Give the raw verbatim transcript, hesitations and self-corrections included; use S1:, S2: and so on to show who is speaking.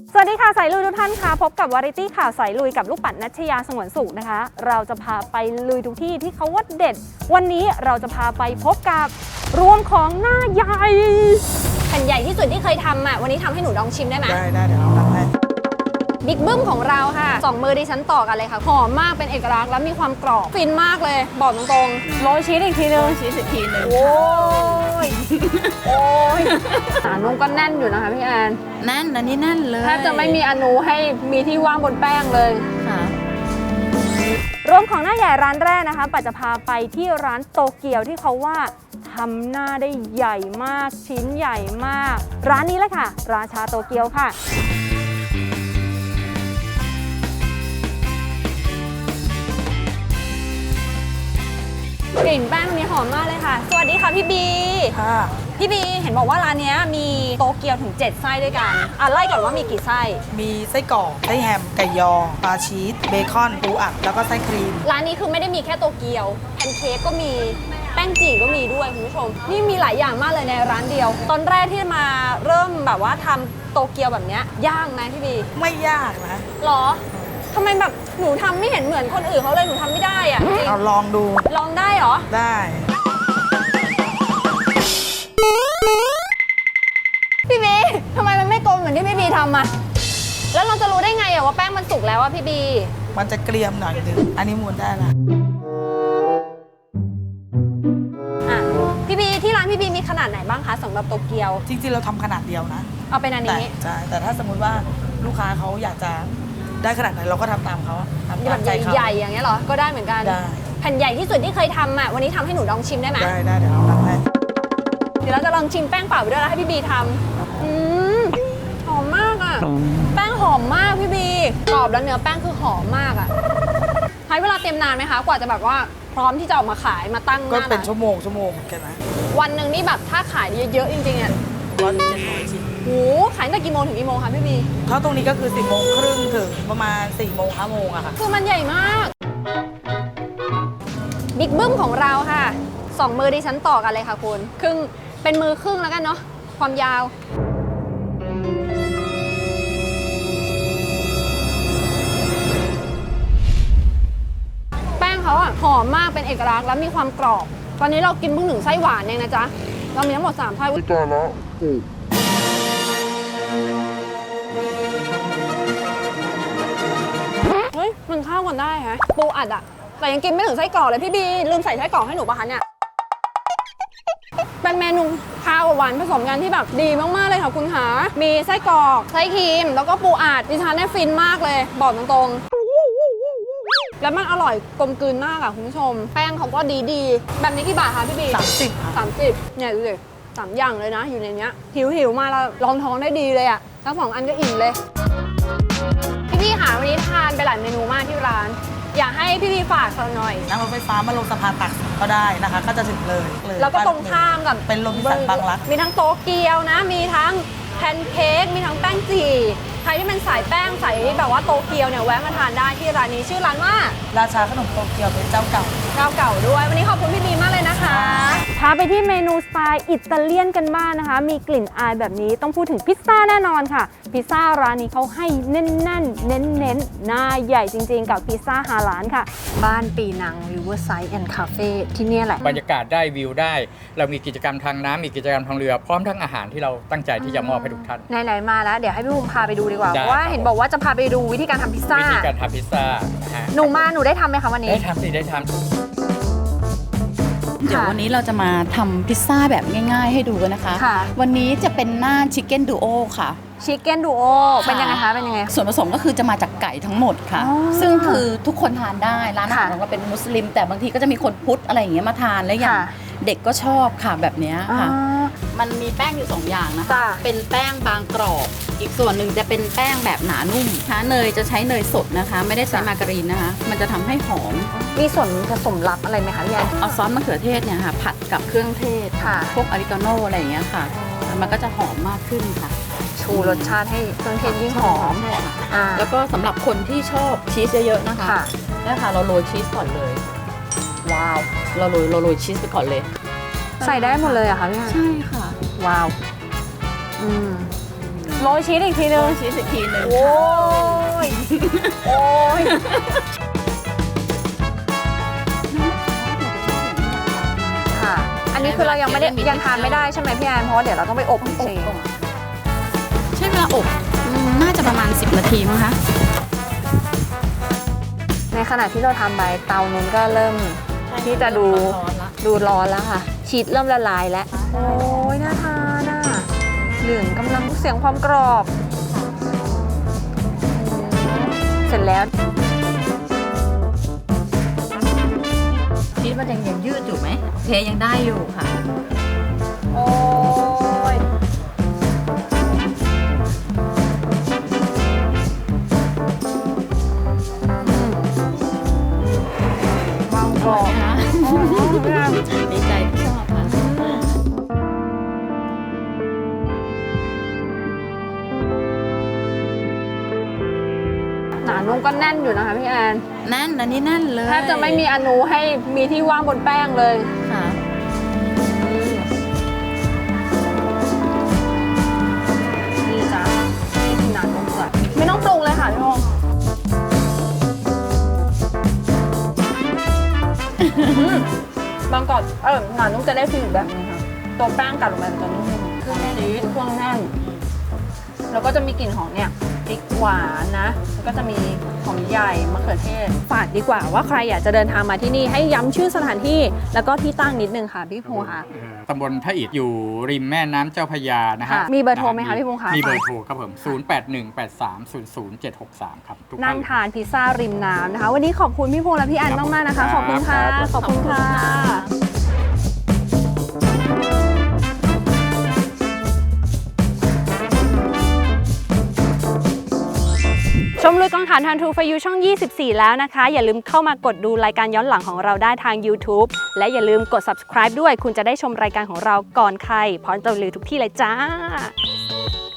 S1: สวัสดีค่ะสายลุยทุกท่านค่ะพบกับวาไรตี้ข่าวสายลุยกับลูกปัดณัชยาสงวนสุขนะคะเราจะพาไปลุยทุกที่ที่เขาว่าเด็ดวันนี้เราจะพาไปพบกับรวมของหน้าใหญ่แผ่นใหญ่ที่สุดที่เคยทำอ่ะวันนี้ทำให้หนูลองชิมได้ไหม
S2: ได้ได้เดี๋ยวเอาทำให้
S1: บิ๊กบึ้มของเราค่ะสองมือดิฉันต่อกันเลยค่ะหอมมากเป็นเอกลักษณ์แล้วมีความกรอบฟินมากเลยบอกตรงๆโรยชีสอีกทีนึง
S3: ชีสอีกทีนึง
S1: โอ้ยโอ้ยสารนุ่มก็แน่นอยู่นะคะพี่แอน
S3: แน่นอันนี้แน่นเลย
S1: แทบจะไม่มีอนูให้มีที่ว่างบนแป้งเลย
S3: ค่ะ
S1: รวมของหน้าใหญ่ร้านแรกนะคะปัจจะพาไปที่ร้านโตเกียวที่เขาว่าทำหน้าได้ใหญ่มากชิ้นใหญ่มากร้านนี้แหละค่ะราชาโตเกียวค่ะกลิ่นแป้งนี้หอมมากเลยค่ะสวัสดีค่ะพี่บี
S2: ค่ะ
S1: พี่บีเห็นบอกว่าร้านนี้มีโตเกียวถึงเจ็ดไส้ด้วยกันอ่ะไล่ก่อนว่ามีกี่ไส้
S2: มีไส้กรอกไส้แฮมไก่ยอปลาชีสเบคอนปูอัดแล้วก็ไส้ครีม
S1: ร้านนี้คือไม่ได้มีแค่โตเกียวแพนเค้กก็มีแป้งจี่ก็มีด้วยคุณผู้ชมนี่มีหลายอย่างมากเลยในร้านเดียวตอนแรกที่มาเริ่มแบบว่าทำโตเกียวแบบนี้ยากไหมพี่บี
S2: ไม่ยากนะ
S1: หรอทำไมแบบหนูทำไม่เห็นเหมือนคนอื่นเขาเลยหนูทำไม่ได้อ่ะจริง
S2: เอาลองดู
S1: ลองได้เหรอ
S2: ได้
S1: พี่บีทำไมมันไม่กลมเหมือนที่พี่บีทำอ่ะแล้วเราจะรู้ได้ไงอ่ะว่าแป้งมันสุกแล้วอ่ะพี่บี
S2: มันจะเกรียมหน่อยนึงอันนี้มูนได้ละ
S1: อ่ะพี่บีที่ร้านพี่บีมีขนาดไหนบ้างคะสำหรับโตเกียว
S2: จริงๆเราทำขนาดเดียวนะ
S1: เอาเป็นอันนี้
S2: ใช่แต่ถ้าสมมุติว่าลูกค้าเขาอยากจะได้ขนาดไหนเราก็ทำตามเขาทำตามใจเขา
S1: ใหญ่ๆอย่างเงี้ยเหรอก็ได้เหมือนกัน
S2: ได้
S1: แผ่นใหญ่ที่สุดที่เคยทำอ่ะวันนี้ทำให้หนูลองชิมได้ไหม
S2: ได้ได้เดี๋ยวเอาทำให้
S1: เดี๋ยวเราจะลองชิมแป้งเปล่าไปด้วยแล้วให้พี่บีทำอืมหอมมากอ่ะแป้งหอมมากพี่บีกรอบแล้วเนื้อแป้งคือหอมมากอ่ะใช้เวลาเตรียมนานไหมคะกว่าจะแบบว่าพร้อมที่จะออกมาขายมาตั้งหน้า
S2: ก็เป็นชั่วโมงชั่วโมงแค่นั้น
S1: วันหนึ่งนี่แบบถ้าขายเยอะๆจริงๆเนี่ย
S2: ร้อยเจ็ดร้อยชิ้น
S1: โหขายตั้งแต่กี่โมงถึงกี่โมงคะพี่บี
S2: ถ้าตรงนี้ก็คือสิบโมงครึ่งถึงประมาณสี่โมงห้าโมงอะค่ะ
S1: คือมันใหญ่มากบิ๊กบึ้มของเราค่ะสองมือดิฉันต่อกันเลยค่ะคุณครึ่งเป็นมือครึ่งแล้วกันเนาะความยาวแป้งเขาอะหอมมากเป็นเอกลักษณ์แล้วมีความกรอบตอนนี้เรากินเพิ่งหนึ่งไส้หวานเองนะจ๊ะเรามีทั้งหมดสามไส้
S4: ไม่ตายแล้ว
S1: เฮ้ยมันเข้ากันได้ฮะปูอัดอะแต่ยังกินไม่ถึงไส้กรอกเลยพี่บีลืมใส่ไส้กรอกให้หนูปะคะเนี่ยเป็นเมนูข้าวหวานผสมกันที่แบบดีมากๆเลยค่ะคุณขามีไส้กรอกไส้ครีมแล้วก็ปูอัดดิฉันเนี่ยฟินมากเลยบอกตรงๆแล้วมันอร่อยกลมกลืนมากอะคุณผู้ชมแป้งเขาก็ดีๆแบบนี้กี่บาทคะพี่บี
S2: สามสิบ
S1: สามสิบเนี่ยดูดิสามอย่างเลยนะอยู่ในเนี้ยหิวหิวมาแล้วรองท้องได้ดีเลยอะทั้งสองอันก็อิ่มเลยพี่พี่หาวันนี้ทานไปหลายเมนูมากที่ร้านอยากให้พี่พี่ฝากสักหน่อย
S2: นั่งรถไฟฟ้ามาลงสะพานตักก็ได้นะคะก็จะถึงเลย
S1: แล้วก็ตรงข้ามกับ
S2: เป็นโรบินสันบางรัก
S1: มีทั้งโตเกียวนะมีทั้งแพนเค้กมีทั้งแป้งจี่ใครที่เป็นสายแป้งสายแบบว่าโตเกียวเนี่ยแวะมาทานได้ที่ร้านนี้ชื่อร้านว่า
S2: ราชาขนมโตเกียวเป็นเจ้าเก่า
S1: เจ้าเก่าด้วยวันนี้ขอบคุณพี่บีมากเลยนะคะพาไปที่เมนูสไตล์อิตาเลียนกันบ้างนะคะมีกลิ่นอายแบบนี้ต้องพูดถึงพิซซ่าแน่นอนค่ะพิซซ่าร้านนี้เขาให้แน่นๆเน้นๆหน้าใหญ่จริงๆกับพิซซ่าฮาลาลค่ะบ้านปีนัง Riverside and Cafe ที่นี่แหละ
S5: บรรยากาศได้วิวได้เรามีกิจกรรมทางน้ำมีกิจกรรมทางเรือพร้อมทั้งอาหารที่เราตั้งใจที่จะมอบให้ทุกท่าน
S1: ไหนๆมาแล้วเดี๋ยวให้พี่ภูมิพาไปดูดีกว่าเพราะว่าเห็นบอกว่าจะพาไปดูวิธีการทำพิซซ่า
S5: วิธีการทำพิซซ่า
S1: หนูมาหนูได้ทำไหมคะวันนี้
S5: ได้ทำสิได้ทำ
S3: เดี๋ยววันนี้เราจะมาทำพิซซ่าแบบง่ายๆให้ดูกันนะคะวันนี้จะเป็นหน้าชิคเก้นดูโอค่ะ
S1: ชิคเก้นดูโอเป็นยังไงคะเป็นยังไง
S3: ส่วนผสมก็คือจะมาจากไก่ทั้งหมดค่ะซึ่งคือทุกคนทานได้ร้านอาหารของเราเป็นมุสลิมแต่บางทีก็จะมีคนพุทธอะไรอย่างเงี้ยมาทานแล้วอย่างเด็กก็ชอบค่ะแบบนี้ค่ะมันมีแป้งอยู่สองอย่างนะคะเป็นแป้งบางกรอบอีกส่วนหนึ่งจะเป็นแป้งแบบหนานุ่มนะคะเนยจะใช้เนยสดนะคะไม่ได้ใช้มาการีนนะคะมันจะทำให้หอม
S1: มีส่วนผสมลับอะไรไหมคะพี่แอน
S3: เอาซอสมะเขือเทศเนี่ยค่ะผัดกับเครื่องเทศค่ะพวกออริกาโนอะไรอย่างเงี้ยค่ะมันก็จะหอมมากขึ้นค่ะ
S1: ชูรสชาติให้เครื่องเทศยิ่งหอม
S3: แล้วก็สำหรับคนที่ชอบชีสเยอะๆนะคะนี่ค่ะเราโรยชีสก่อนเลยว้าวเราโรยเราโรยชีสไปก่อนเลย
S1: ใส่ได้หมดเลยอะคะพี่แอน
S3: ใช่ค่ะ
S1: ว้าวอืมโรยชีสอีกทีนึง
S3: ชีสอีกทีหนึ่ง
S1: โอ้ย โอ้ย ค่ะ อันนี้คือเรายังไม่ได้ยังทานไม่ได้ใช่ไหมพี่แอนเพราะว่าเดี๋ยวเราต้องไปอบจริง
S3: ใช้เวลาอบอืมน่าจะประมาณ สิบ นาทีมั้งคะ
S1: ในขณะที่เราทำไปเตานู้นก็เริ่มที่จะดู
S3: ร้อนๆละ
S1: ดูร้อนแล้วค่ะ ชีสเริ่มละลายแล้ว โอ้ยน่าทานอ่ะเหลืองกำลังเสียงความกรอบ เสร็จแล้ว
S3: ชีสมันยังยังยืดอยู่ไหมโอเคยังได้อยู่ค่ะ
S1: โอ้ยบางกรอบนะ
S3: ดีใจที่ชอบค่ะ
S1: หนานุ่มก็แน่นอยู่นะคะพี่แอน
S3: แน่นอันนี้แน่นเลย
S1: แทบจะไม่มีอนูให้มีที่ว่างบนแป้งเลย
S3: ค่ะ
S1: นี่จ้ะนี่คือหนานุ่มก่อนไม่ต้องปรุงเลยค่ะพี่พงษ์อืมบางกรอบเออหนานุ่มจะได้ฟีลอีกแบบนึงค่ะตัวแป้งกัดลงไปมันจะนุ่มเครื่องชีสเครื่องแน่นแล้วก็จะมีกลิ่นของเนี่ยพริกหวานนะแล้วก็จะมีหอมใหญ่มะเขือเทศฝากดีกว่าว่าใครอยากจะเดินทางมาที่นี่ให้ย้ำชื่อสถานที่แล้วก็ที่ตั้งนิดนึงค่ะพี่ภูค่ะ
S5: เอ่อตำบลท่าอิฐอยู่ริมแม่น้ำเจ้าพระยานะฮะ
S1: ค่ะมีเบอร์โทรไหมคะพี่พงษ์คะ
S5: มีเบอร์โทรครับผม ศูนย์ แปด หนึ่ง แปด สาม ศูนย์ ศูนย์ เจ็ด หก สาม ครับทุก
S1: นั่งทานพิซซ่าริมน้ำนะคะ วันนี้ขอบคุณพี่พงษ์และพี่แอนมาก ๆ นะคะ ขอบคุณค่ะ ขอบคุณค่ะ ชมลุยกองถ่านทันทูฟยูช่อง ยี่สิบสี่ แล้วนะคะ อย่าลืมเข้ามากดดูรายการย้อนหลังของเราได้ทาง YouTube และอย่าลืมกด Subscribe ด้วย คุณจะได้ชมรายการของเราก่อนใครพร้อมจะรีวิวทุกที่เลยจ้า